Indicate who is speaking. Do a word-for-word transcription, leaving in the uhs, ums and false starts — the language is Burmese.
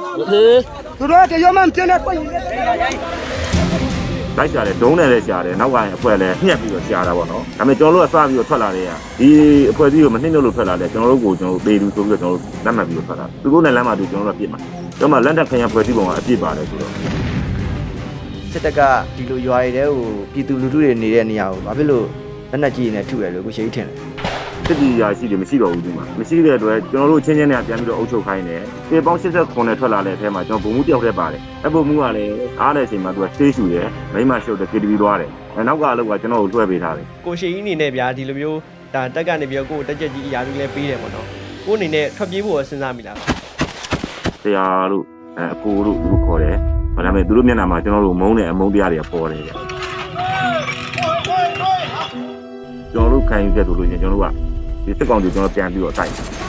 Speaker 1: သူတို့ကရောမှမပြနေပိုင်
Speaker 2: လိုက်ကြတယ်ဒုံးနဲ့လည်းရှားတယ်နောက်ကရင်အဖွဲလည်းညှက်ပြီးတော့ရှားတာပေါ့နော်ဒါပေမဲ့ကျွန်တော်တို့ကစပြီးတော့ထွက်လာတဲ့ကဒီအဖွဲကြီးကိုမနှိမ့်လို့ထွက်လာတယ်ကျွန်တော်တို့ကိုကျွန်တော်တို့ပေလူဆိုပြီးတော့ကျွန်တော်တို့လက်မှတ်ပြီးတော့ထွက်လာသူတို့နဲ့လက်မှတ်ပြီးကျွန်တော်တို့ပြစ်မှာကျွန်တော်မှလက်တက်ခရံဖွဲကြီးပုံကအပြစ်ပါတယ်ဆိုတော့
Speaker 3: စစ်တပ်ကဒီလိုရွာတွေတဲကိုပြည်သူလူထုတွေနေတဲ့နေရာကိုဘာဖြစ်လို့လက်နက်ကြီးနဲ့ထုရလို့ကိုရှိထင်တယ်
Speaker 2: စစ်တီရာရှိတယ်မရှိတော့ဘူးဒီမှာမရှိတဲ့အတွက်ကျွန်တော်တို့ချင်းချင်းနဲ့ပြန်ပြီးတော့အုပ်ချုပ်ခိုင်းတယ်ပေပေါင်း၈၇နဲ့ထွက်လာတဲ့အထဲမှာကျွန်တော်ဘုံမှုတယောက်တည်းပါတယ်အဘုံမှုကလည်းအားတဲ့အချိန်မှာသူကသေးရှူတယ်မိမရှုပ်တယ် K T V သွားတယ်နောက်ကလောက်ကကျွန်တော်ကိုလွှဲပေးထားတယ်
Speaker 4: ကိုရှိကြီးအနေနဲ့ဗျာဒီလိုမျိုးဒါတက်ကနေပြီးတော့ကိုတက်ချက်ကြီးအရာကြီးလည်းပေးတယ်ပေါ့နော်ကိုအနေနဲ့ထွက်ပြေးဖို့စဉ်းစားမိလား
Speaker 2: ဆရာတို့အကိုတို့သူတို့ခေါ်တယ်ဒါပေမဲ့သူတို့မျက်နှာမှာကျွန်တော်တို့မုန်းတဲ့အမုန်းတရားတွေပေါ်တယ်ကျွန်တော်တို့ခံယူချက်တို့လို့ကျွန်တော်တို့ကဒီစစ်ကောင်တွေကျွန်တော်ပြန်ပြီးတော့တိုက်